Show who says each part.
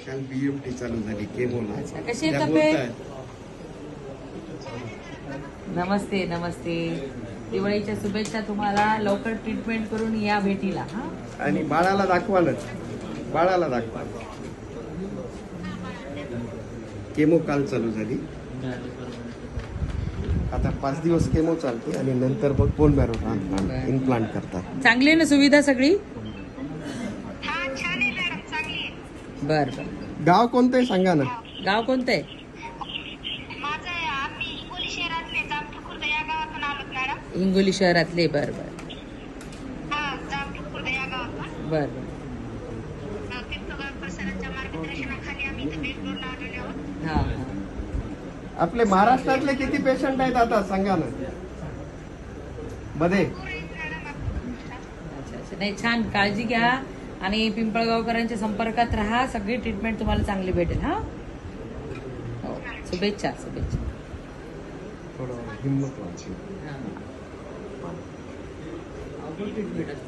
Speaker 1: काल BMT चालू झाली केमोला.
Speaker 2: अच्छा, कशी आहे
Speaker 1: त्या
Speaker 2: तब्येत?
Speaker 1: बोलतायत.
Speaker 2: नमस्ते नमस्ते. दिवाळीच्या शुभेच्छा तुम्हाला. लवकर ट्रीटमेंट करून या भेटीला. हा
Speaker 1: आणि बाळाला दाखवालच, बाळाला दाखवा. केमो काल चालू झाली. आता 5 दिवस केमो चालते आणि नंतर मग बोन मॅरो इम्प्लांट करतात.
Speaker 2: चांगली आहे ना सुविधा सगळी? बर बर.
Speaker 1: गाव कोणतं आहे सांगा ना.
Speaker 2: गाव कोणतं आहे? हिंगोली शहरातले. बर बर बर बर. हा हा.
Speaker 1: आपले महाराष्ट्रातले किती पेशंट आहेत आता सांगा ना मध्ये.
Speaker 2: अच्छा अच्छा. नाही, छान. काळजी घ्या आणि पिंपळगावकरांच्या संपर्कात राहा. सगळी ट्रीटमेंट तुम्हाला चांगली भेटेल. हा हो. शुभेच्छा शुभेच्छा.
Speaker 1: थोडं हिंमत वाटते.
Speaker 2: हा.